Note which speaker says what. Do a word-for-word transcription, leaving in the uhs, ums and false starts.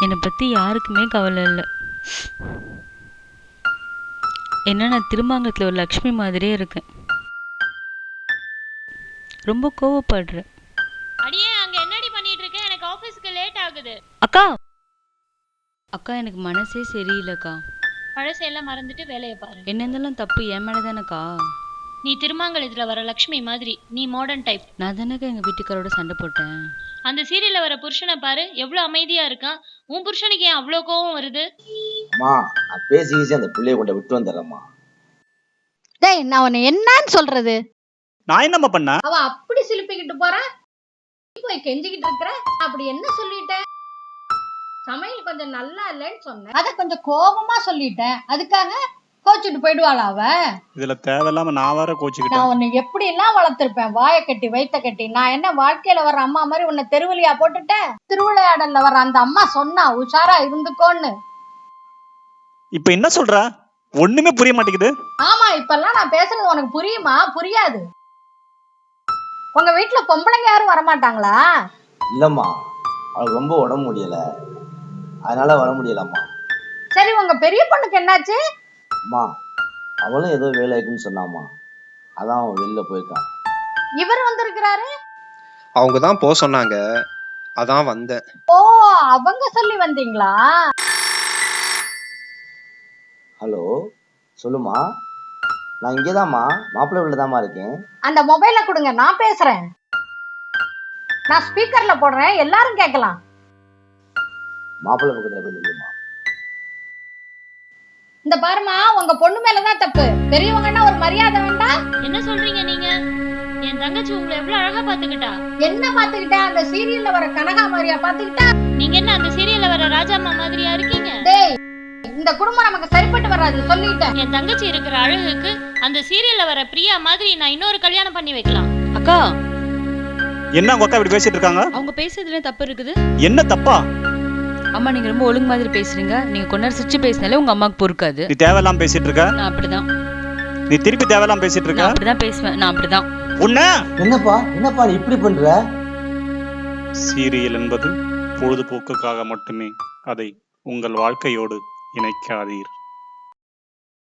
Speaker 1: என்னை பற்றி யாருக்குமே கவலை இல்லை. என்ன நான் திருமாங்கலத்தில் ஒரு லக்ஷ்மி மாதிரியே இருக்கேன். ரொம்ப கோவப்படுறேன்.
Speaker 2: அடியே அங்க என்னடி பண்ணிட்டு இருக்க? எனக்கு ஆபீஸ்க்கு லேட் ஆகுது.
Speaker 1: அக்கா அக்கா எனக்கு மனசே சரியில்லைக்கா.
Speaker 2: பழசையெல்லாம் மறந்துட்டு வேலையை பாரு.
Speaker 1: என்ன இருந்தாலும் தப்பு என் மேலே தானேக்கா.
Speaker 2: நீ திருமாங்கலத்துல வர லக்ஷ்மி மாதிரி, நீ மாடர்ன் டைப்.
Speaker 1: நான் தானேக்கா எங்கள் வீட்டுக்காரோட சண்டை போட்டேன்.
Speaker 2: அந்த சீரியல்ல வர புருஷனை பாரு, எவ்வளவு அமைதியா இருக்கான். உன் புருஷனுக்கு ஏன் அவ்வளோ கோவம் வருது?
Speaker 3: அம்மா நான் பேசி அந்த பிள்ளைய கொண்டு விட்டு வந்துடுறேம்மா.
Speaker 4: டேய் நான் உன்னை என்னன்னு சொல்றது?
Speaker 5: நான் என்னம்மா பண்ண?
Speaker 4: அவ அப்படி சிலுப்பிக்கிட்டு போறா, போய் கெஞ்சிக்கிட்டு இருக்கிற. அப்படி என்ன சொல்லிட்டேன்? சமையல் கொஞ்சம் நல்லா இல்லைன்னு சொன்னேன், அத கொஞ்சம் கோபமா சொல்லிட்டேன். அதுக்காக கோச்சிட்டு போயிடுவாளா அவ?
Speaker 5: இதுல தேவையில்லாம நான் வேற கோச்சிக்கிட்டேன்.
Speaker 4: நான் உன்னை எப்படி எல்லாம் வளர்த்திருப்பேன், வாயை கட்டி வைத்த கட்டி. நான் என்ன வாழ்க்கையில வர்ற அம்மா மாதிரி உன்னை தெருவலியா போட்டுட்டேன்? திருவிளையாடல்ல வர்ற அந்த அம்மா சொன்னா உஷாரா இருந்துக்கோன்னு.
Speaker 5: இப்ப என்ன சொல்ற? ஒண்ணுமே புரிய மாட்டேங்குது.
Speaker 4: ஆமா, இப்பெல்லாம் நான் பேசுறது உனக்கு புரியுமா? புரியாது. உங்க வீட்டுல பொம்பளைங்க யாரும் வரமாட்டாங்களா?
Speaker 3: இல்லம்மா, அவளுக்கு ரொம்ப உடம்பு முடியல, அதனால வர முடியலம்மா.
Speaker 4: சரி, உங்க பெரிய பொண்ணுக்கு என்னாச்சு?
Speaker 3: அம்மா அவளும் ஏதோ வேலை இருக்குன்னு சொன்னாம்மா, அதான் அவன் வெளில போயிருக்கான்.
Speaker 4: இவர் வந்திருக்கிறாரு.
Speaker 6: அவங்க தான் போக சொன்னாங்க, அதான் வந்தேன்.
Speaker 4: ஓ, அவங்க சொல்லி வந்தீங்களா?
Speaker 3: ஹலோ சொல்லுமா, நான் இங்கேதாம்மா, மாப்பிள்ளை வீட்டுல தாம்மா இருக்கேன்.
Speaker 4: அந்த மொபைலை கொடுங்க, நான் பேசுறேன். நான் ஸ்பீக்கர்ல போடுறேன், எல்லாரும் கேட்கலாம்.
Speaker 3: மாப்பிள்ளை பக்கத்துல போய் நில்லுமா.
Speaker 4: இந்த பாருமா, உங்க பொண்ணு மேலதான் தப்பு. பெரியவங்கன்னா ஒரு மரியாதை வேண்டாம்?
Speaker 2: என்ன சொல்றீங்க நீங்க? என் தங்கச்சி உங்களை எவ்வளவு அழகா பாத்துக்கிட்டா.
Speaker 4: என்ன பாத்துக்கிட்டா? அந்த சீரியல்ல வர கனகாமரியா பாத்துக்கிட்டா?
Speaker 2: நீங்க என்ன அந்த சீரியல்ல வர ராஜாம்மா மாதிரியா இருக்கீங்க?
Speaker 4: டேய், இந்த குடும்பம் நமக்கு சரிப்பட்டு வராது, சொல்லிட்டேன்.
Speaker 2: என் தங்கச்சி இருக்கிற அழகுக்கு அந்த சீரியல்ல வர பிரியா மாதிரி நான் இன்னொரு கல்யாணம் பண்ணி வைக்கலாம்.
Speaker 1: அக்கா
Speaker 5: என்ன உங்க அக்கா இப்படி பேசிட்டு இருக்காங்க?
Speaker 1: அவங்க பேசுறதுல தப்பு இருக்குது.
Speaker 5: என்ன தப்பா?
Speaker 1: அம்மா நீங்க ரொம்ப ஒழுங்கு மாதிரி பேசுறீங்க. நீங்க கொஞ்ச நேரம் சிரிச்சு பேசினாலே உங்க அம்மாவுக்கு பொறுக்காது.
Speaker 5: நீ தேவையில்லாம பேசிட்டு இருக்க.
Speaker 1: நான் அப்படிதான்.
Speaker 5: நீ திருப்பி தேவையில்லாம பேசிட்டு இருக்க.
Speaker 1: நான் அப்படிதான் பேசுவேன். நான் அப்படிதான்.
Speaker 5: உன்ன
Speaker 3: என்னப்பா என்னப்பா நீ இப்படி பண்ற?
Speaker 5: சீரியல் என்பது பொழுதுபோக்குக்காக மட்டுமே. அதை உங்கள் வாழ்க்கையோடு இணைக்காதீர்.